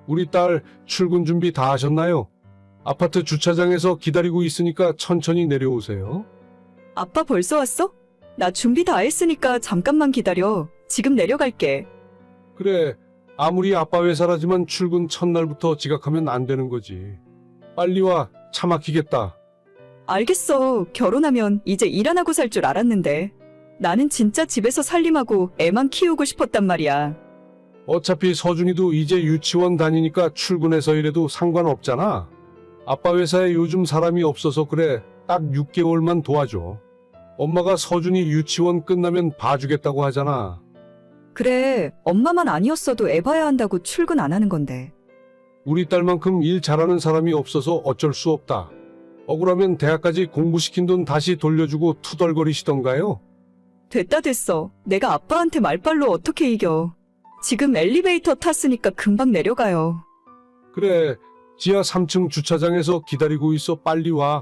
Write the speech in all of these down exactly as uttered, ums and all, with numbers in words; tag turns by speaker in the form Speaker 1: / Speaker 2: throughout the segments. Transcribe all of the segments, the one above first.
Speaker 1: 우리 딸 출근 준비 다 하셨나요? 아파트 주차장에서 기다리고 있으니까 천천히 내려오세요.
Speaker 2: 아빠 벌써 왔어? 나 준비 다 했으니까 잠깐만 기다려. 지금 내려갈게.
Speaker 1: 그래, 아무리 아빠 회사라지만 출근 첫날부터 지각하면 안 되는 거지. 빨리 와, 차 막히겠다.
Speaker 2: 알겠어. 결혼하면 이제 일 안 하고 살 줄 알았는데. 나는 진짜 집에서 살림하고 애만 키우고 싶었단 말이야.
Speaker 1: 어차피 서준이도 이제 유치원 다니니까 출근해서 이래도 상관없잖아. 아빠 회사에 요즘 사람이 없어서 그래. 딱 육 개월만 도와줘. 엄마가 서준이 유치원 끝나면 봐주겠다고 하잖아.
Speaker 2: 그래, 엄마만 아니었어도 애 봐야 한다고 출근 안 하는 건데.
Speaker 1: 우리 딸만큼 일 잘하는 사람이 없어서 어쩔 수 없다. 억울하면 대학까지 공부시킨 돈 다시 돌려주고 투덜거리시던가요?
Speaker 2: 됐다 됐어. 내가 아빠한테 말빨로 어떻게 이겨. 지금 엘리베이터 탔으니까 금방 내려가요.
Speaker 1: 그래, 지하 삼 층 주차장에서 기다리고 있어. 빨리 와.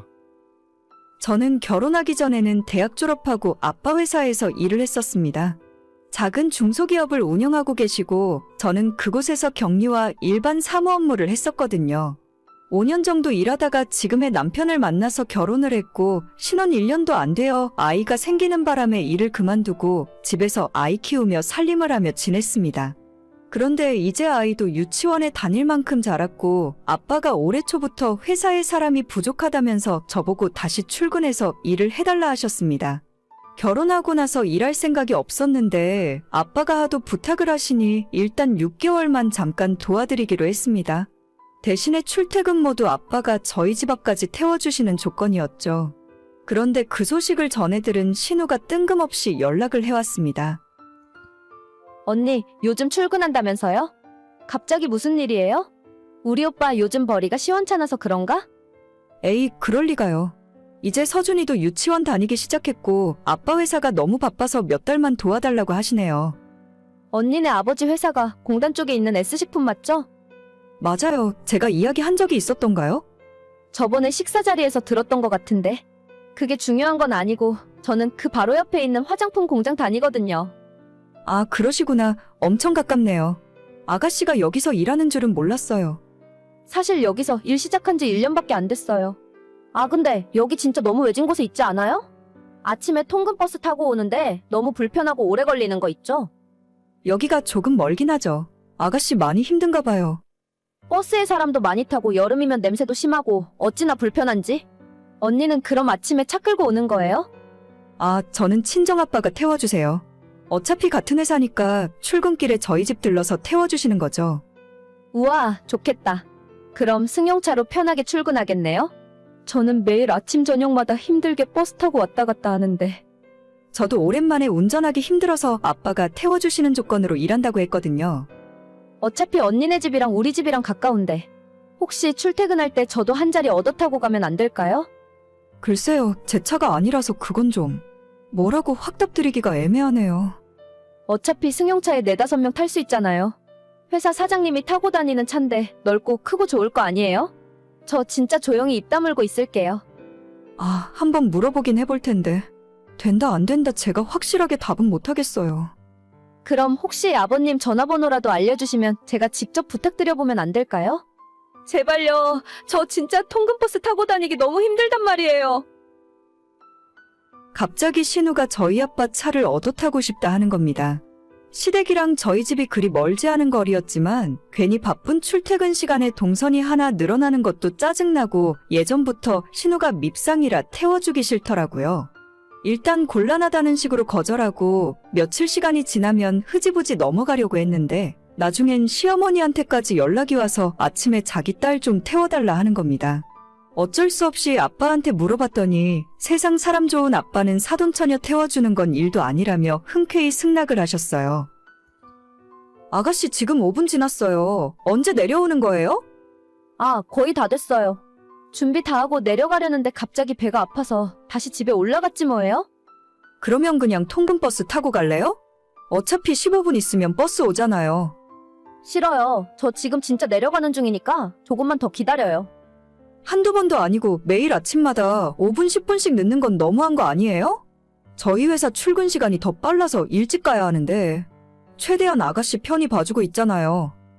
Speaker 2: 저는 결혼하기 전에는 대학 졸업하고 아빠 회사에서 일을 했었습니다. 작은 중소기업을 운영하고 계시고 저는 그곳에서 격리와 일반 사무 업무를 했었거든요. 오 년 정도 일하다가 지금의 남편을 만나서 결혼을 했고 신혼 일 년도 안 되어 아이가 생기는 바람에 일을 그만두고 집에서 아이 키우며 살림을 하며 지냈습니다. 그런데 이제 아이도 유치원에 다닐 만큼 자랐고 아빠가 올해 초부터 회사에 사람이 부족하다면서 저보고 다시 출근해서 일을 해달라 하셨습니다. 결혼하고 나서 일할 생각이 없었는데 아빠가 하도 부탁을 하시니 일단 육 개월만 잠깐 도와드리기로 했습니다. 대신에 출퇴근 모두 아빠가 저희 집 앞까지 태워주시는 조건이었죠. 그런데 그 소식을 전해 들은 신우가 뜬금없이 연락을 해왔습니다.
Speaker 3: 언니, 요즘 출근한다면서요? 갑자기 무슨 일이에요? 우리 오빠 요즘 벌이가 시원찮아서 그런가?
Speaker 2: 에이, 그럴 리가요. 이제 서준이도 유치원 다니기 시작했고 아빠 회사가 너무 바빠서 몇 달만 도와달라고 하시네요.
Speaker 3: 언니네 아버지 회사가 공단 쪽에 있는 S식품 맞죠?
Speaker 2: 맞아요. 제가 이야기한 적이 있었던가요?
Speaker 3: 저번에 식사 자리에서 들었던 것 같은데. 그게 중요한 건 아니고 저는 그 바로 옆에 있는 화장품 공장 다니거든요.
Speaker 2: 아, 그러시구나. 엄청 가깝네요. 아가씨가 여기서 일하는 줄은 몰랐어요.
Speaker 3: 사실 여기서 일 시작한 지 일 년밖에 안 됐어요. 아, 근데 여기 진짜 너무 외진 곳에 있지 않아요? 아침에 통근버스 타고 오는데 너무 불편하고 오래 걸리는 거 있죠?
Speaker 2: 여기가 조금 멀긴 하죠. 아가씨 많이 힘든가 봐요.
Speaker 3: 버스에 사람도 많이 타고 여름이면 냄새도 심하고 어찌나 불편한지. 언니는 그럼 아침에 차 끌고 오는 거예요?
Speaker 2: 아, 저는 친정아빠가 태워주세요. 어차피 같은 회사니까 출근길에 저희 집 들러서 태워주시는 거죠.
Speaker 3: 우와, 좋겠다. 그럼 승용차로 편하게 출근하겠네요? 저는 매일 아침 저녁마다 힘들게 버스 타고 왔다 갔다 하는데.
Speaker 2: 저도 오랜만에 운전하기 힘들어서 아빠가 태워주시는 조건으로 일한다고 했거든요.
Speaker 3: 어차피 언니네 집이랑 우리 집이랑 가까운데 혹시 출퇴근할 때 저도 한 자리 얻어 타고 가면 안 될까요?
Speaker 2: 글쎄요, 제 차가 아니라서 그건 좀 뭐라고 확답드리기가 애매하네요.
Speaker 3: 어차피 승용차에 네다섯 명 탈 수 있잖아요. 회사 사장님이 타고 다니는 차인데 넓고 크고 좋을 거 아니에요? 저 진짜 조용히 입 다물고 있을게요.
Speaker 2: 아, 한번 물어보긴 해볼 텐데 된다 안 된다 제가 확실하게 답은 못하겠어요.
Speaker 3: 그럼 혹시 아버님 전화번호라도 알려주시면 제가 직접 부탁드려보면 안 될까요? 제발요. 저 진짜 통근버스 타고 다니기 너무 힘들단 말이에요.
Speaker 2: 갑자기 신우가 저희 아빠 차를 얻어 타고 싶다 하는 겁니다. 시댁이랑 저희 집이 그리 멀지 않은 거리였지만 괜히 바쁜 출퇴근 시간에 동선이 하나 늘어나는 것도 짜증나고 예전부터 신우가 밉상이라 태워주기 싫더라고요. 일단 곤란하다는 식으로 거절하고 며칠 시간이 지나면 흐지부지 넘어가려고 했는데 나중엔 시어머니한테까지 연락이 와서 아침에 자기 딸 좀 태워달라 하는 겁니다. 어쩔 수 없이 아빠한테 물어봤더니 세상 사람 좋은 아빠는 사돈처녀 태워주는 건 일도 아니라며 흔쾌히 승낙을 하셨어요. 아가씨 지금 오 분 지났어요. 언제 내려오는 거예요?
Speaker 3: 아, 거의 다 됐어요. 준비 다 하고 내려가려는데 갑자기 배가 아파서 다시 집에 올라갔지 뭐예요?
Speaker 2: 그러면 그냥 통근버스 타고 갈래요? 어차피 십오 분 있으면 버스 오잖아요.
Speaker 3: 싫어요. 저 지금 진짜 내려가는 중이니까 조금만 더 기다려요.
Speaker 2: 한두 번도 아니고 매일 아침마다 오 분, 십 분씩 늦는 건 너무한 거 아니에요? 저희 회사 출근 시간이 더 빨라서 일찍 가야 하는데 최대한 아가씨 편히 봐주고 있잖아요.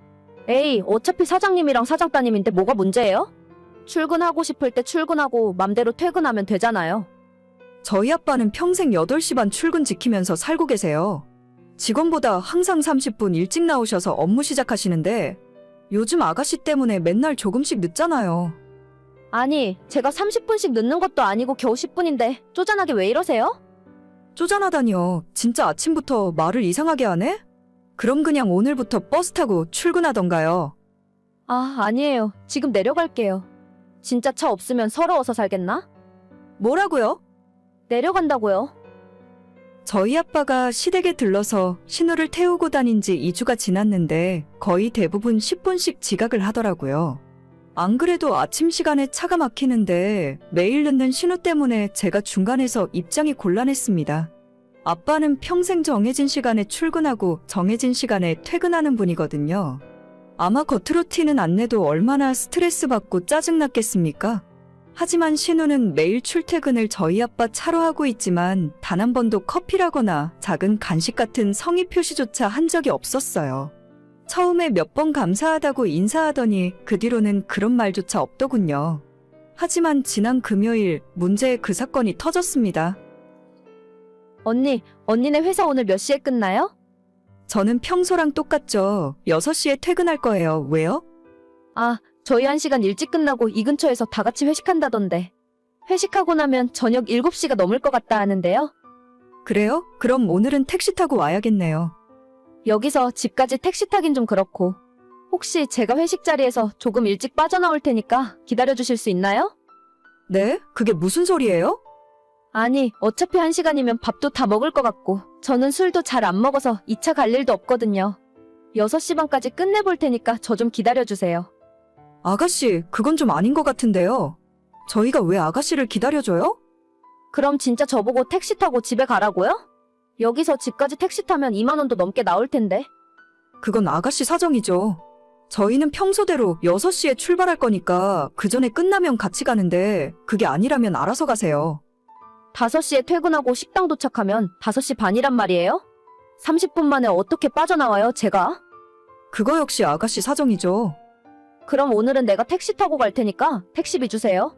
Speaker 3: 에이, 어차피 사장님이랑 사장 따님인데 뭐가 문제예요? 출근하고 싶을 때 출근하고 맘대로 퇴근하면 되잖아요.
Speaker 2: 저희 아빠는 평생 여덟 시 반 출근 지키면서 살고 계세요. 직원보다 항상 삼십 분 일찍 나오셔서 업무 시작하시는데 요즘 아가씨 때문에 맨날 조금씩 늦잖아요.
Speaker 3: 아니, 제가 삼십 분씩 늦는 것도 아니고 겨우 십 분인데 쪼잔하게 왜 이러세요?
Speaker 2: 쪼잔하다니요. 진짜 아침부터 말을 이상하게 하네? 그럼 그냥 오늘부터 버스 타고 출근하던가요.
Speaker 3: 아, 아니에요. 지금 내려갈게요. 진짜 차 없으면 서러워서 살겠나?
Speaker 2: 뭐라고요?
Speaker 3: 내려간다고요.
Speaker 2: 저희 아빠가 시댁에 들러서 신우를 태우고 다닌 지 이 주가 지났는데 거의 대부분 십 분씩 지각을 하더라고요. 안 그래도 아침 시간에 차가 막히는데 매일 늦는 신우 때문에 제가 중간에서 입장이 곤란했습니다. 아빠는 평생 정해진 시간에 출근하고 정해진 시간에 퇴근하는 분이거든요. 아마 겉으로 튀는 안내도 얼마나 스트레스 받고 짜증났겠습니까? 하지만 신우는 매일 출퇴근을 저희 아빠 차로 하고 있지만 단 한 번도 커피라거나 작은 간식 같은 성의 표시조차 한 적이 없었어요. 처음에 몇 번 감사하다고 인사하더니 그 뒤로는 그런 말조차 없더군요. 하지만 지난 금요일 문제의 그 사건이 터졌습니다.
Speaker 3: 언니, 언니네 회사 오늘 몇 시에 끝나요?
Speaker 2: 저는 평소랑 똑같죠. 여섯 시에 퇴근할 거예요. 왜요?
Speaker 3: 아, 저희 한 시간 일찍 끝나고 이 근처에서 다 같이 회식한다던데. 회식하고 나면 저녁 일곱 시가 넘을 것 같다 하는데요.
Speaker 2: 그래요? 그럼 오늘은 택시 타고 와야겠네요.
Speaker 3: 여기서 집까지 택시 타긴 좀 그렇고. 혹시 제가 회식 자리에서 조금 일찍 빠져나올 테니까 기다려주실 수 있나요?
Speaker 2: 네? 그게 무슨 소리예요?
Speaker 3: 아니, 어차피 한 시간이면 밥도 다 먹을 것 같고 저는 술도 잘 안 먹어서 이 차 갈 일도 없거든요. 여섯 시 반까지 끝내볼 테니까 저 좀 기다려주세요.
Speaker 2: 아가씨, 그건 좀 아닌 것 같은데요. 저희가 왜 아가씨를 기다려줘요?
Speaker 3: 그럼 진짜 저보고 택시 타고 집에 가라고요? 여기서 집까지 택시 타면 이만 원도 넘게 나올 텐데.
Speaker 2: 그건 아가씨 사정이죠. 저희는 평소대로 여섯 시에 출발할 거니까 그 전에 끝나면 같이 가는데 그게 아니라면 알아서 가세요.
Speaker 3: 다섯 시에 퇴근하고 식당 도착하면 다섯 시 반이란 말이에요? 삼십 분 만에 어떻게 빠져나와요, 제가?
Speaker 2: 그거 역시 아가씨 사정이죠.
Speaker 3: 그럼 오늘은 내가 택시 타고 갈 테니까 택시비 주세요.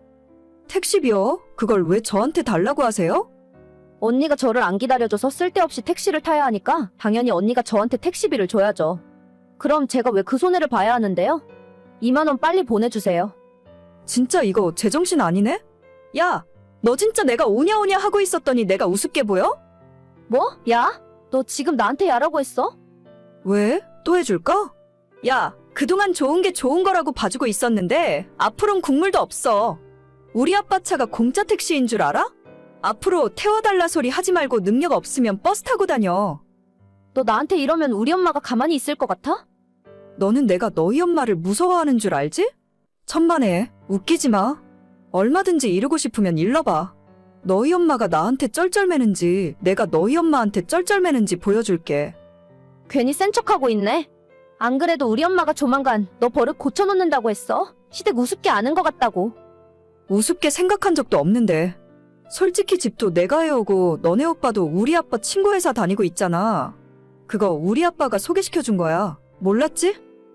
Speaker 2: 택시비요? 그걸 왜 저한테 달라고 하세요?
Speaker 3: 언니가 저를 안 기다려줘서 쓸데없이 택시를 타야 하니까 당연히 언니가 저한테 택시비를 줘야죠. 그럼 제가 왜 그 손해를 봐야 하는데요? 이만 원 빨리 보내주세요.
Speaker 2: 진짜 이거 제정신 아니네? 야, 너 진짜 내가 오냐오냐 하고 있었더니 내가 우습게 보여?
Speaker 3: 뭐? 야? 너 지금 나한테 야라고 했어?
Speaker 2: 왜? 또 해줄까? 야, 그동안 좋은 게 좋은 거라고 봐주고 있었는데 앞으론 국물도 없어. 우리 아빠 차가 공짜 택시인 줄 알아? 앞으로 태워달라 소리 하지 말고 능력 없으면 버스 타고 다녀.
Speaker 3: 너 나한테 이러면 우리 엄마가 가만히 있을 것 같아?
Speaker 2: 너는 내가 너희 엄마를 무서워하는 줄 알지? 천만에, 웃기지 마. 얼마든지 이루고 싶으면 일러봐. 너희 엄마가 나한테 쩔쩔매는지 내가 너희 엄마한테 쩔쩔매는지 보여줄게.
Speaker 3: 괜히 센 척하고 있네. 안 그래도 우리 엄마가 조만간 너 버릇 고쳐놓는다고 했어. 시댁 우습게 아는 것 같다고.
Speaker 2: 우습게 생각한 적도 없는데. 솔직히 집도 내가 해오고 너네 오빠도 우리 아빠 친구 회사 다니고 있잖아. 그거 우리 아빠가 소개시켜준 거야. 몰랐지?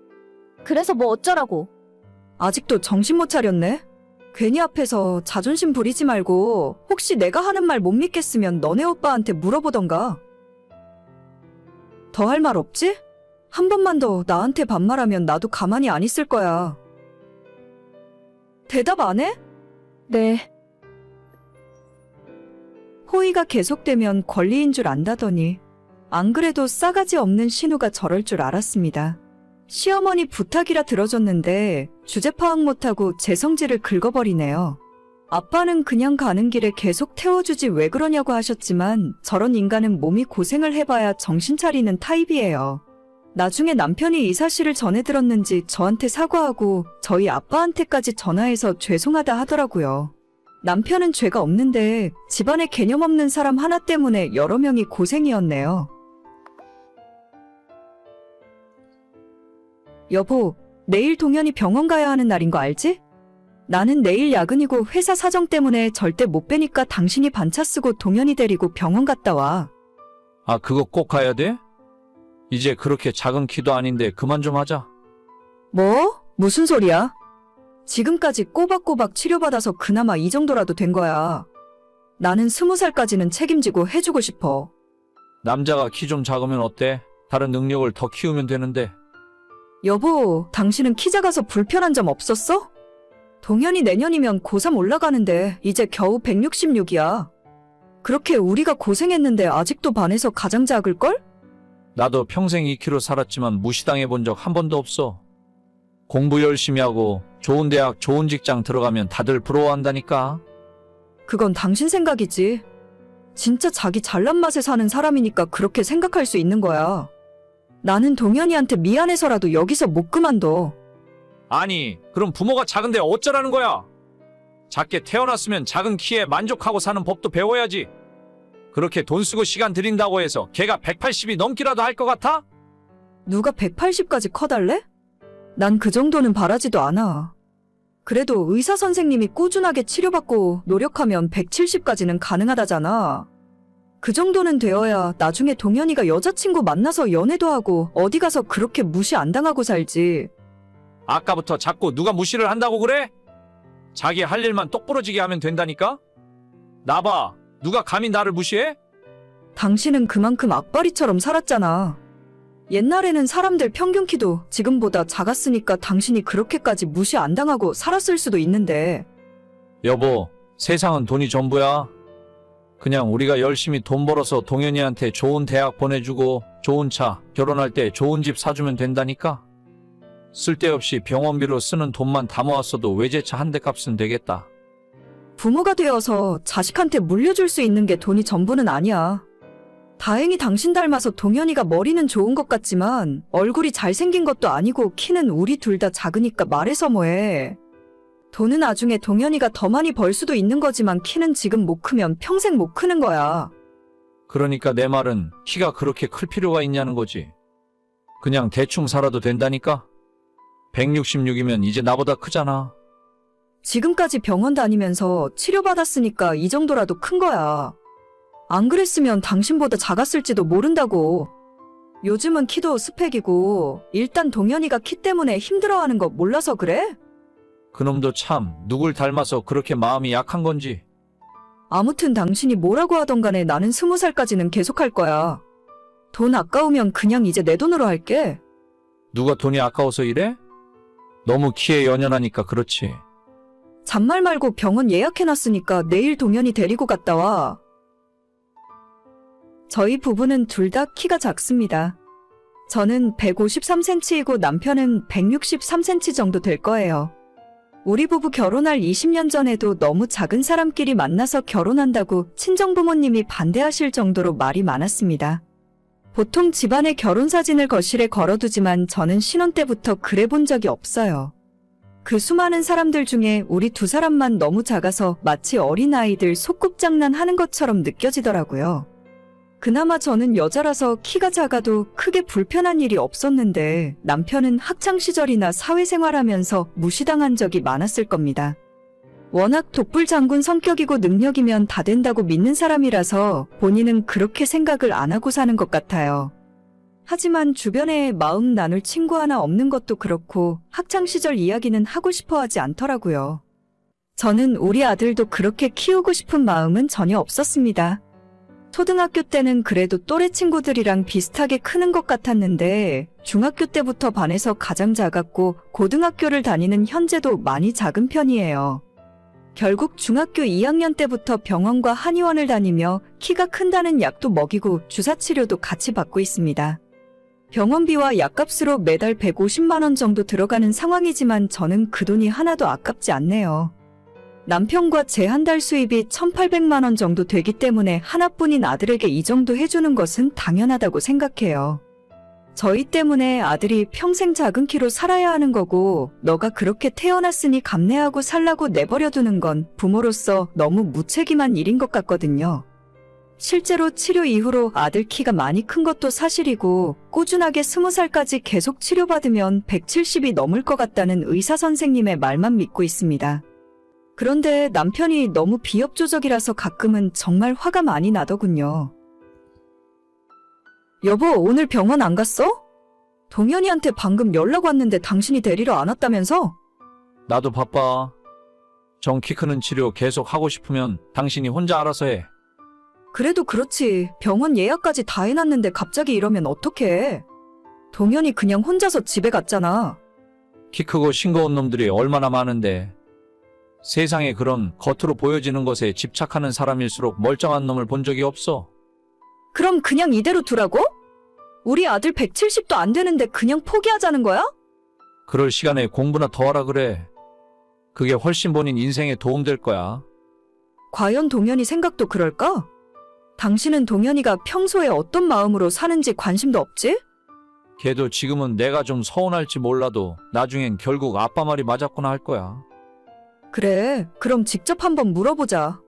Speaker 3: 그래서 뭐 어쩌라고.
Speaker 2: 아직도 정신 못 차렸네. 괜히 앞에서 자존심 부리지 말고 혹시 내가 하는 말 못 믿겠으면 너네 오빠한테 물어보던가. 더 할 말 없지? 한 번만 더 나한테 반말하면 나도 가만히 안 있을 거야. 대답 안 해?
Speaker 3: 네.
Speaker 2: 호의가 계속되면 권리인 줄 안다더니 안 그래도 싸가지 없는 신우가 저럴 줄 알았습니다. 시어머니 부탁이라 들어줬는데 주제 파악 못하고 제 성질을 긁어버리네요. 아빠는 그냥 가는 길에 계속 태워주지 왜 그러냐고 하셨지만 저런 인간은 몸이 고생을 해봐야 정신 차리는 타입이에요. 나중에 남편이 이 사실을 전해 들었는지 저한테 사과하고 저희 아빠한테까지 전화해서 죄송하다 하더라고요. 남편은 죄가 없는데 집안에 개념 없는 사람 하나 때문에 여러 명이 고생이었네요. 여보, 내일 동현이 병원 가야 하는 날인 거 알지? 나는 내일 야근이고 회사 사정 때문에 절대 못 빼니까 당신이 반차 쓰고 동현이 데리고 병원 갔다 와.
Speaker 4: 아, 그거 꼭 가야 돼? 이제 그렇게 작은 키도 아닌데 그만 좀 하자.
Speaker 2: 뭐? 무슨 소리야? 지금까지 꼬박꼬박 치료받아서 그나마 이 정도라도 된 거야. 나는 스무 살까지는 책임지고 해주고 싶어.
Speaker 4: 남자가 키 좀 작으면 어때? 다른 능력을 더 키우면 되는데.
Speaker 2: 여보, 당신은 키 작아서 불편한 점 없었어? 동현이 내년이면 고삼 올라가는데 이제 겨우 백육십육이야. 그렇게 우리가 고생했는데 아직도 반에서 가장 작을걸?
Speaker 4: 나도 평생 이 키로 살았지만 무시당해 본 적 한 번도 없어. 공부 열심히 하고 좋은 대학, 좋은 직장 들어가면 다들 부러워한다니까.
Speaker 2: 그건 당신 생각이지. 진짜 자기 잘난 맛에 사는 사람이니까 그렇게 생각할 수 있는 거야. 나는 동현이한테 미안해서라도 여기서 못 그만둬.
Speaker 4: 아니, 그럼 부모가 작은데 어쩌라는 거야? 작게 태어났으면 작은 키에 만족하고 사는 법도 배워야지. 그렇게 돈 쓰고 시간 들인다고 해서 걔가 백팔십이 넘기라도 할 것 같아?
Speaker 2: 누가 백팔십까지 커달래? 난 그 정도는 바라지도 않아. 그래도 의사 선생님이 꾸준하게 치료받고 노력하면 백칠십까지는 가능하다잖아. 그 정도는 되어야 나중에 동현이가 여자친구 만나서 연애도 하고 어디 가서 그렇게 무시 안 당하고 살지.
Speaker 4: 아까부터 자꾸 누가 무시를 한다고 그래? 자기 할 일만 똑부러지게 하면 된다니까? 나봐, 누가 감히 나를 무시해?
Speaker 2: 당신은 그만큼 악바리처럼 살았잖아. 옛날에는 사람들 평균 키도 지금보다 작았으니까 당신이 그렇게까지 무시 안 당하고 살았을 수도 있는데.
Speaker 4: 여보, 세상은 돈이 전부야. 그냥 우리가 열심히 돈 벌어서 동현이한테 좋은 대학 보내주고 좋은 차, 결혼할 때 좋은 집 사주면 된다니까? 쓸데없이 병원비로 쓰는 돈만 다 모았어도 외제차 한 대 값은 되겠다.
Speaker 2: 부모가 되어서 자식한테 물려줄 수 있는 게 돈이 전부는 아니야. 다행히 당신 닮아서 동현이가 머리는 좋은 것 같지만 얼굴이 잘생긴 것도 아니고 키는 우리 둘 다 작으니까 말해서 뭐해. 돈은 나중에 동현이가 더 많이 벌 수도 있는 거지만 키는 지금 못 크면 평생 못 크는 거야.
Speaker 4: 그러니까 내 말은 키가 그렇게 클 필요가 있냐는 거지. 그냥 대충 살아도 된다니까? 백육십육이면 이제 나보다 크잖아.
Speaker 2: 지금까지 병원 다니면서 치료받았으니까 이 정도라도 큰 거야. 안 그랬으면 당신보다 작았을지도 모른다고. 요즘은 키도 스펙이고 일단 동현이가 키 때문에 힘들어하는 거 몰라서 그래?
Speaker 4: 그놈도 참 누굴 닮아서 그렇게 마음이 약한 건지.
Speaker 2: 아무튼 당신이 뭐라고 하던 간에 나는 스무 살까지는 계속할 거야. 돈 아까우면 그냥 이제 내 돈으로 할게.
Speaker 4: 누가 돈이 아까워서 이래? 너무 키에 연연하니까 그렇지.
Speaker 2: 잔말 말고 병원 예약해놨으니까 내일 동현이 데리고 갔다 와. 저희 부부는 둘 다 키가 작습니다. 저는 백오십삼 센티미터이고 남편은 백육십삼 센티미터 정도 될 거예요. 우리 부부 결혼할 이십 년 전에도 너무 작은 사람끼리 만나서 결혼한다고 친정부모님이 반대하실 정도로 말이 많았습니다. 보통 집안의 결혼 사진을 거실에 걸어두지만 저는 신혼 때부터 그래 본 적이 없어요. 그 수많은 사람들 중에 우리 두 사람만 너무 작아서 마치 어린아이들 소꿉장난 하는 것처럼 느껴지더라고요. 그나마 저는 여자라서 키가 작아도 크게 불편한 일이 없었는데 남편은 학창시절이나 사회생활하면서 무시당한 적이 많았을 겁니다. 워낙 독불장군 성격이고 능력이면 다 된다고 믿는 사람이라서 본인은 그렇게 생각을 안 하고 사는 것 같아요. 하지만 주변에 마음 나눌 친구 하나 없는 것도 그렇고 학창시절 이야기는 하고 싶어 하지 않더라고요. 저는 우리 아들도 그렇게 키우고 싶은 마음은 전혀 없었습니다. 초등학교 때는 그래도 또래 친구들이랑 비슷하게 크는 것 같았는데 중학교 때부터 반에서 가장 작았고 고등학교를 다니는 현재도 많이 작은 편이에요. 결국 중학교 이 학년 때부터 병원과 한의원을 다니며 키가 큰다는 약도 먹이고 주사치료도 같이 받고 있습니다. 병원비와 약값으로 매달 백오십만 원 정도 들어가는 상황이지만 저는 그 돈이 하나도 아깝지 않네요. 남편과 제 한 달 수입이 천팔백만 원 정도 되기 때문에 하나뿐인 아들에게 이 정도 해주는 것은 당연하다고 생각해요. 저희 때문에 아들이 평생 작은 키로 살아야 하는 거고 너가 그렇게 태어났으니 감내하고 살라고 내버려두는 건 부모로서 너무 무책임한 일인 것 같거든요. 실제로 치료 이후로 아들 키가 많이 큰 것도 사실이고 꾸준하게 스무 살까지 계속 치료받으면 백칠십이 넘을 것 같다는 의사 선생님의 말만 믿고 있습니다. 그런데 남편이 너무 비협조적이라서 가끔은 정말 화가 많이 나더군요. 여보, 오늘 병원 안 갔어? 동현이한테 방금 연락 왔는데 당신이 데리러 안 왔다면서?
Speaker 4: 나도 바빠. 정 키 크는 치료 계속 하고 싶으면 당신이 혼자 알아서 해.
Speaker 2: 그래도 그렇지. 병원 예약까지 다 해놨는데 갑자기 이러면 어떡해. 동현이 그냥 혼자서 집에 갔잖아.
Speaker 4: 키 크고 싱거운 놈들이 얼마나 많은데. 세상에 그런 겉으로 보여지는 것에 집착하는 사람일수록 멀쩡한 놈을 본 적이 없어.
Speaker 2: 그럼 그냥 이대로 두라고? 우리 아들 백칠십도 안 되는데 그냥 포기하자는 거야?
Speaker 4: 그럴 시간에 공부나 더 하라 그래. 그게 훨씬 본인 인생에 도움될 거야.
Speaker 2: 과연 동현이 생각도 그럴까? 당신은 동현이가 평소에 어떤 마음으로 사는지 관심도 없지?
Speaker 4: 걔도 지금은 내가 좀 서운할지 몰라도 나중엔 결국 아빠 말이 맞았구나 할 거야.
Speaker 2: 그래, 그럼 직접 한번 물어보자.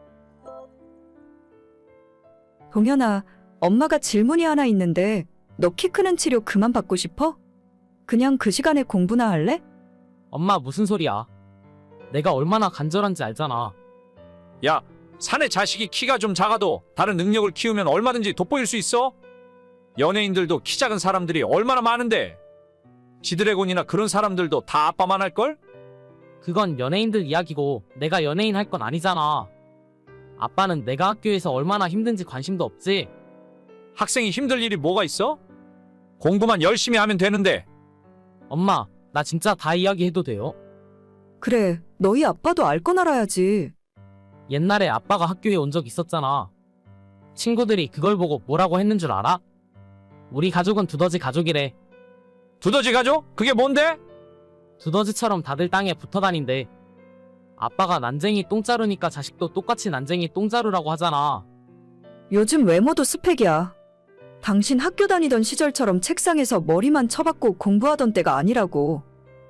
Speaker 2: 동현아, 엄마가 질문이 하나 있는데 너 키 크는 치료 그만 받고 싶어? 그냥 그 시간에 공부나 할래?
Speaker 5: 엄마 무슨 소리야? 내가 얼마나 간절한지 알잖아.
Speaker 4: 야, 사내 자식이 키가 좀 작아도 다른 능력을 키우면 얼마든지 돋보일 수 있어? 연예인들도 키 작은 사람들이 얼마나 많은데. 지드래곤이나 그런 사람들도 다 아빠만 할걸?
Speaker 5: 그건 연예인들 이야기고 내가 연예인 할 건 아니잖아. 아빠는 내가 학교에서 얼마나 힘든지 관심도 없지.
Speaker 4: 학생이 힘들 일이 뭐가 있어? 공부만 열심히 하면 되는데.
Speaker 5: 엄마, 나 진짜 다 이야기해도 돼요?
Speaker 2: 그래, 너희 아빠도 알 건 알아야지.
Speaker 5: 옛날에 아빠가 학교에 온 적 있었잖아. 친구들이 그걸 보고 뭐라고 했는 줄 알아? 우리 가족은 두더지 가족이래.
Speaker 4: 두더지 가족? 그게 뭔데?
Speaker 5: 두더지처럼 다들 땅에 붙어 다닌대. 아빠가 난쟁이 똥자루니까 자식도 똑같이 난쟁이 똥자루라고 하잖아.
Speaker 2: 요즘 외모도 스펙이야. 당신 학교 다니던 시절처럼 책상에서 머리만 쳐박고 공부하던 때가 아니라고.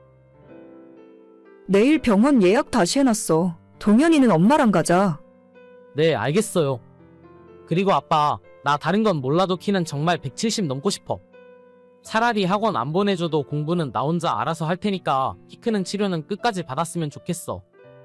Speaker 2: 내일 병원 예약 다시 해놨어. 동현이는 엄마랑 가자.
Speaker 5: 네, 알겠어요. 그리고 아빠, 나 다른 건 몰라도 키는 정말 백칠십 넘고 싶어. 차라리 학원 안 보내줘도 공부는 나 혼자 알아서 할 테니까 키 크는 치료는 끝까지 받았으면 좋겠어.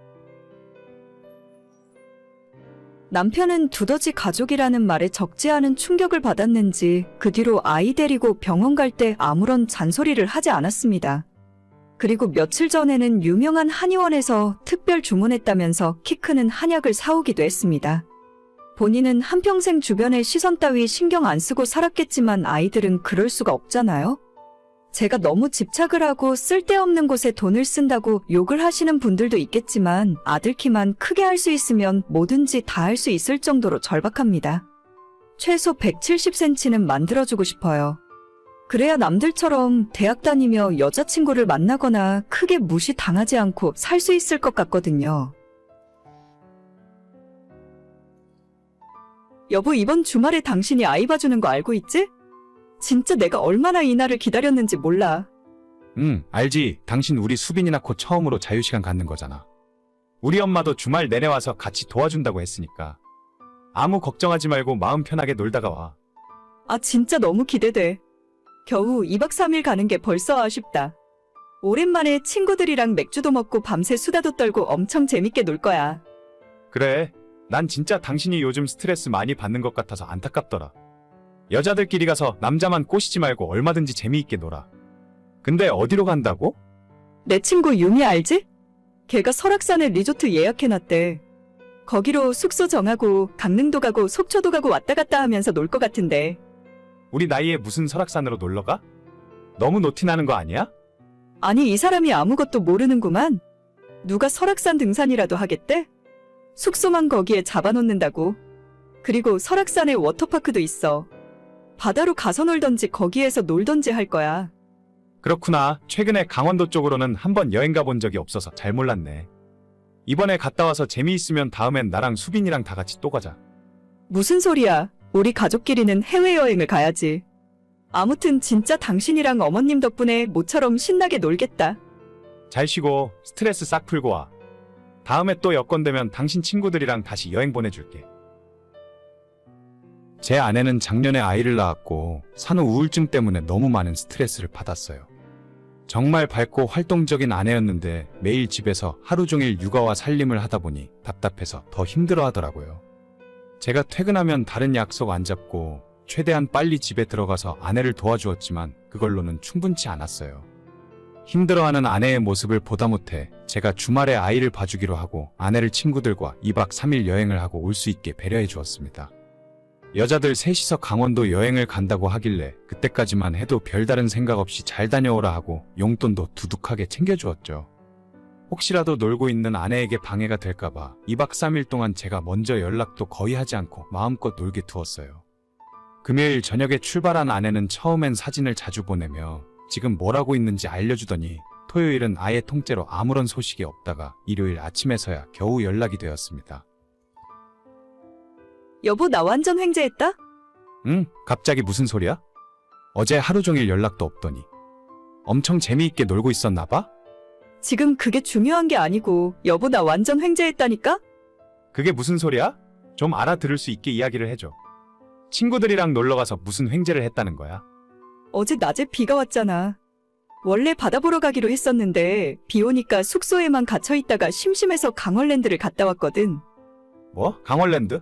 Speaker 2: 남편은 두더지 가족이라는 말에 적지 않은 충격을 받았는지 그 뒤로 아이 데리고 병원 갈 때 아무런 잔소리를 하지 않았습니다. 그리고 며칠 전에는 유명한 한의원에서 특별 주문했다면서 키 크는 한약을 사오기도 했습니다. 본인은 한평생 주변의 시선 따위 신경 안 쓰고 살았겠지만 아이들은 그럴 수가 없잖아요. 제가 너무 집착을 하고 쓸데없는 곳에 돈을 쓴다고 욕을 하시는 분들도 있겠지만 아들 키만 크게 할 수 있으면 뭐든지 다 할 수 있을 정도로 절박합니다. 최소 백칠십 센티미터는 만들어주고 싶어요. 그래야 남들처럼 대학 다니며 여자친구를 만나거나 크게 무시당하지 않고 살 수 있을 것 같거든요. 여보, 이번 주말에 당신이 아이 봐주는 거 알고 있지? 진짜 내가 얼마나 이 날을 기다렸는지 몰라.
Speaker 6: 응, 알지. 당신 우리 수빈이 낳고 처음으로 자유시간 갖는 거잖아. 우리 엄마도 주말 내내 와서 같이 도와준다고 했으니까. 아무 걱정하지 말고 마음 편하게 놀다가 와.
Speaker 2: 아, 진짜 너무 기대돼. 겨우 이 박 삼 일 가는 게 벌써 아쉽다. 오랜만에 친구들이랑 맥주도 먹고 밤새 수다도 떨고 엄청 재밌게 놀 거야.
Speaker 6: 그래, 난 진짜 당신이 요즘 스트레스 많이 받는 것 같아서 안타깝더라. 여자들끼리 가서 남자만 꼬시지 말고 얼마든지 재미있게 놀아. 근데 어디로 간다고?
Speaker 2: 내 친구 유미 알지? 걔가 설악산에 리조트 예약해놨대. 거기로 숙소 정하고 강릉도 가고 속초도 가고 왔다 갔다 하면서 놀 것 같은데.
Speaker 6: 우리 나이에 무슨 설악산으로 놀러 가? 너무 노티나는 거 아니야?
Speaker 2: 아니, 이 사람이 아무것도 모르는구만. 누가 설악산 등산이라도 하겠대? 숙소만 거기에 잡아놓는다고. 그리고 설악산에 워터파크도 있어. 바다로 가서 놀던지 거기에서 놀던지 할 거야.
Speaker 6: 그렇구나. 최근에 강원도 쪽으로는 한번 여행 가본 적이 없어서 잘 몰랐네. 이번에 갔다 와서 재미있으면 다음엔 나랑 수빈이랑 다 같이 또 가자.
Speaker 2: 무슨 소리야. 우리 가족끼리는 해외여행을 가야지. 아무튼 진짜 당신이랑 어머님 덕분에 모처럼 신나게 놀겠다.
Speaker 6: 잘 쉬고 스트레스 싹 풀고 와. 다음에 또 여건 되면 당신 친구들이랑 다시 여행 보내줄게. 제 아내는 작년에 아이를 낳았고 산후 우울증 때문에 너무 많은 스트레스를 받았어요. 정말 밝고 활동적인 아내였는데 매일 집에서 하루 종일 육아와 살림을 하다 보니 답답해서 더 힘들어 하더라고요. 제가 퇴근하면 다른 약속 안 잡고 최대한 빨리 집에 들어가서 아내를 도와주었지만 그걸로는 충분치 않았어요. 힘들어하는 아내의 모습을 보다 못해 제가 주말에 아이를 봐주기로 하고 아내를 친구들과 이박 삼일 여행을 하고 올 수 있게 배려해 주었습니다. 여자들 셋이서 강원도 여행을 간다고 하길래 그때까지만 해도 별다른 생각 없이 잘 다녀오라 하고 용돈도 두둑하게 챙겨주었죠. 혹시라도 놀고 있는 아내에게 방해가 될까봐 이박 삼일 동안 제가 먼저 연락도 거의 하지 않고 마음껏 놀게 두었어요. 금요일 저녁에 출발한 아내는 처음엔 사진을 자주 보내며 지금 뭘 하고 있는지 알려주더니 토요일은 아예 통째로 아무런 소식이 없다가 일요일 아침에서야 겨우 연락이 되었습니다.
Speaker 2: 여보, 나 완전 횡재했다?
Speaker 6: 응? 갑자기 무슨 소리야? 어제 하루 종일 연락도 없더니 엄청 재미있게 놀고 있었나 봐?
Speaker 2: 지금 그게 중요한 게 아니고, 여보, 나 완전 횡재했다니까?
Speaker 6: 그게 무슨 소리야? 좀 알아들을 수 있게 이야기를 해줘. 친구들이랑 놀러가서 무슨 횡재를 했다는 거야?
Speaker 2: 어제 낮에 비가 왔잖아. 원래 바다 보러 가기로 했었는데 비 오니까 숙소에만 갇혀있다가 심심해서 강원랜드를 갔다 왔거든.
Speaker 6: 뭐? 강원랜드?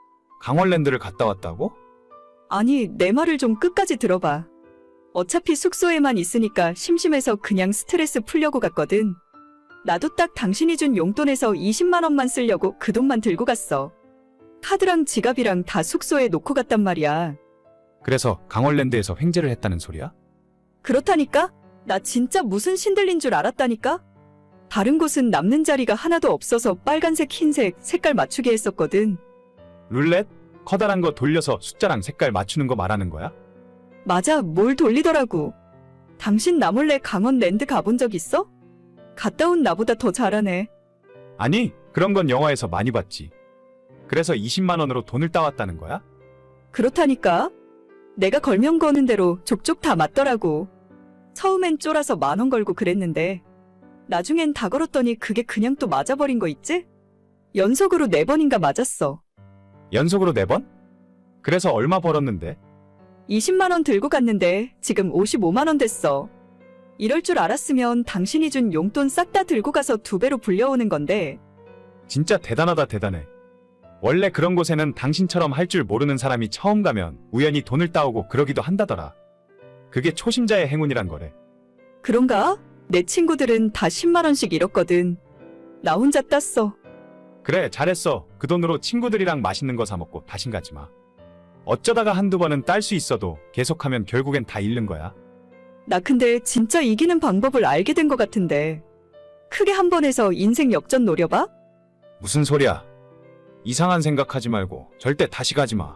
Speaker 6: 강원랜드를 갔다 왔다고?
Speaker 2: 아니, 내 말을 좀 끝까지 들어봐. 어차피 숙소에만 있으니까 심심해서 그냥 스트레스 풀려고 갔거든. 나도 딱 당신이 준 용돈에서 이십만 원만 쓰려고 그 돈만 들고 갔어. 카드랑 지갑이랑 다 숙소에 놓고 갔단 말이야.
Speaker 6: 그래서 강원랜드에서 횡재를 했다는 소리야?
Speaker 2: 그렇다니까? 나 진짜 무슨 신들린 줄 알았다니까? 다른 곳은 남는 자리가 하나도 없어서 빨간색, 흰색 색깔 맞추게 했었거든.
Speaker 6: 룰렛? 커다란 거 돌려서 숫자랑 색깔 맞추는 거 말하는 거야?
Speaker 2: 맞아, 뭘 돌리더라고. 당신 나 몰래 강원랜드 가본 적 있어? 갔다 온 나보다 더 잘하네.
Speaker 6: 아니, 그런 건 영화에서 많이 봤지. 그래서 이십만 원으로 돈을 따왔다는 거야?
Speaker 2: 그렇다니까? 내가 걸면 거는 대로 족족 다 맞더라고. 처음엔 쫄아서 만 원 걸고 그랬는데 나중엔 다 걸었더니 그게 그냥 또 맞아버린 거 있지? 연속으로 네 번인가 맞았어.
Speaker 6: 연속으로 네 번? 그래서 얼마 벌었는데?
Speaker 2: 이십만 원 들고 갔는데 지금 오십오만 원 됐어. 이럴 줄 알았으면 당신이 준 용돈 싹 다 들고 가서 두 배로 불려오는 건데.
Speaker 6: 진짜 대단하다 대단해. 원래 그런 곳에는 당신처럼 할 줄 모르는 사람이 처음 가면 우연히 돈을 따오고 그러기도 한다더라. 그게 초심자의 행운이란 거래.
Speaker 2: 그런가? 내 친구들은 다 십만 원씩 잃었거든. 나 혼자 땄어.
Speaker 6: 그래, 잘했어. 그 돈으로 친구들이랑 맛있는 거 사 먹고 다신 가지 마. 어쩌다가 한두 번은 딸 수 있어도 계속하면 결국엔 다 잃는 거야.
Speaker 2: 나 근데 진짜 이기는 방법을 알게 된 것 같은데. 크게 한 번 해서 인생 역전 노려봐?
Speaker 6: 무슨 소리야? 이상한 생각하지 말고 절대 다시 가지 마.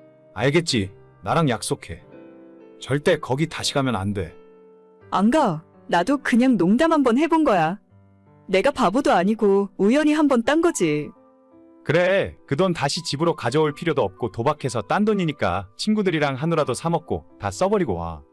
Speaker 6: 알겠지? 나랑 약속해. 절대 거기 다시 가면 안 돼.
Speaker 2: 안 가. 나도 그냥 농담 한번 해본 거야. 내가 바보도 아니고 우연히 한번 딴 거지.
Speaker 6: 그래, 그 돈 다시 집으로 가져올 필요도 없고 도박해서 딴 돈이니까 친구들이랑 한우라도 사 먹고 다 써버리고 와.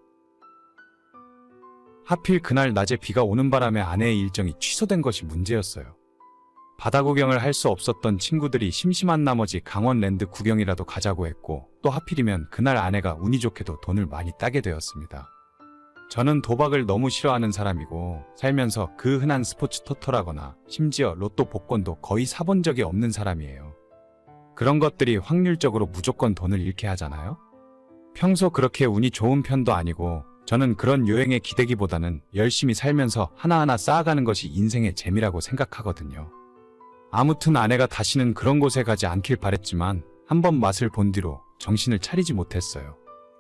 Speaker 6: 하필 그날 낮에 비가 오는 바람에 아내의 일정이 취소된 것이 문제였어요. 바다 구경을 할 수 없었던 친구들이 심심한 나머지 강원랜드 구경이라도 가자고 했고 또 하필이면 그날 아내가 운이 좋게도 돈을 많이 따게 되었습니다. 저는 도박을 너무 싫어하는 사람이고 살면서 그 흔한 스포츠 토토라거나 심지어 로또 복권도 거의 사본 적이 없는 사람이에요. 그런 것들이 확률적으로 무조건 돈을 잃게 하잖아요? 평소 그렇게 운이 좋은 편도 아니고 저는 그런 요행에 기대기보다는 열심히 살면서 하나하나 쌓아가는 것이 인생의 재미라고 생각하거든요. 아무튼 아내가 다시는 그런 곳에 가지 않길 바랬지만 한번 맛을 본 뒤로 정신을 차리지 못했어요.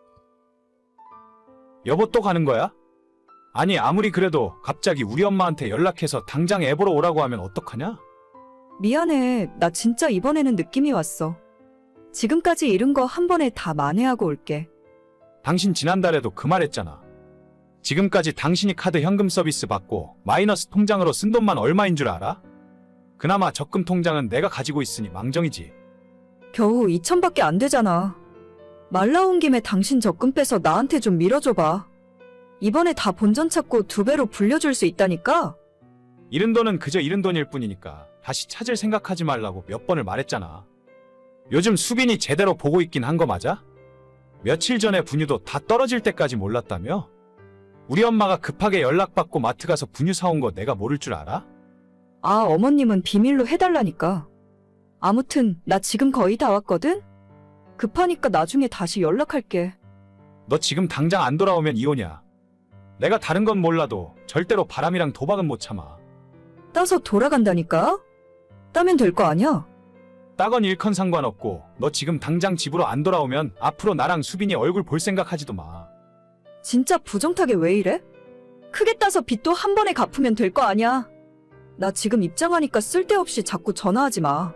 Speaker 6: 여보 또 가는 거야? 아니 아무리 그래도 갑자기 우리 엄마한테 연락해서 당장 애 보러 오라고 하면 어떡하냐?
Speaker 2: 미안해. 나 진짜 이번에는 느낌이 왔어. 지금까지 잃은 거 한 번에 다 만회하고 올게.
Speaker 6: 당신 지난달에도 그 말했잖아. 지금까지 당신이 카드 현금 서비스 받고 마이너스 통장으로 쓴 돈만 얼마인 줄 알아? 그나마 적금 통장은 내가 가지고 있으니 망정이지.
Speaker 2: 겨우 이천밖에 안 되잖아. 말 나온 김에 당신 적금 빼서 나한테 좀 밀어줘봐. 이번에 다 본전 찾고 두 배로 불려줄 수 있다니까?
Speaker 6: 잃은 돈은 그저 잃은 돈일 뿐이니까 다시 찾을 생각하지 말라고 몇 번을 말했잖아. 요즘 수빈이 제대로 보고 있긴 한 거 맞아? 며칠 전에 분유도 다 떨어질 때까지 몰랐다며? 우리 엄마가 급하게 연락받고 마트 가서 분유 사온 거 내가 모를 줄 알아?
Speaker 2: 아, 어머님은 비밀로 해달라니까. 아무튼 나 지금 거의 다 왔거든? 급하니까 나중에 다시 연락할게.
Speaker 6: 너 지금 당장 안 돌아오면 이혼이야. 내가 다른 건 몰라도 절대로 바람이랑 도박은 못 참아.
Speaker 2: 따서 돌아간다니까? 따면 될 거 아니야?
Speaker 6: 따건 일컨 상관없고 너 지금 당장 집으로 안 돌아오면 앞으로 나랑 수빈이 얼굴 볼 생각하지도 마.
Speaker 2: 진짜 부정타게 왜 이래? 크게 따서 빚도 한 번에 갚으면 될 거 아니야. 나 지금 입장하니까 쓸데없이 자꾸 전화하지 마.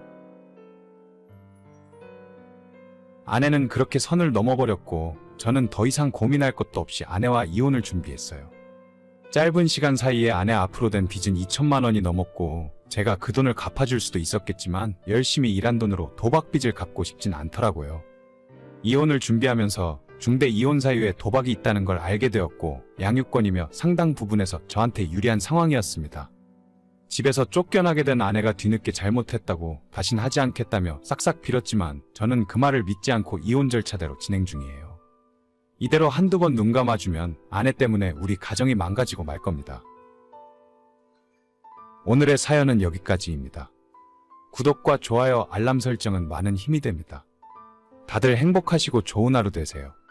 Speaker 6: 아내는 그렇게 선을 넘어버렸고 저는 더 이상 고민할 것도 없이 아내와 이혼을 준비했어요. 짧은 시간 사이에 아내 앞으로 된 빚은 이천만 원이 넘었고 제가 그 돈을 갚아줄 수도 있었겠지만 열심히 일한 돈으로 도박빚을 갚고 싶진 않더라고요. 이혼을 준비하면서 중대 이혼 사유에 도박이 있다는 걸 알게 되었고 양육권이며 상당 부분에서 저한테 유리한 상황이었습니다. 집에서 쫓겨나게 된 아내가 뒤늦게 잘못했다고 다신 하지 않겠다며 싹싹 빌었지만 저는 그 말을 믿지 않고 이혼 절차대로 진행 중이에요. 이대로 한두 번 눈 감아주면 아내 때문에 우리 가정이 망가지고 말 겁니다. 오늘의 사연은 여기까지입니다. 구독과 좋아요, 알람 설정은 많은 힘이 됩니다. 다들 행복하시고 좋은 하루 되세요.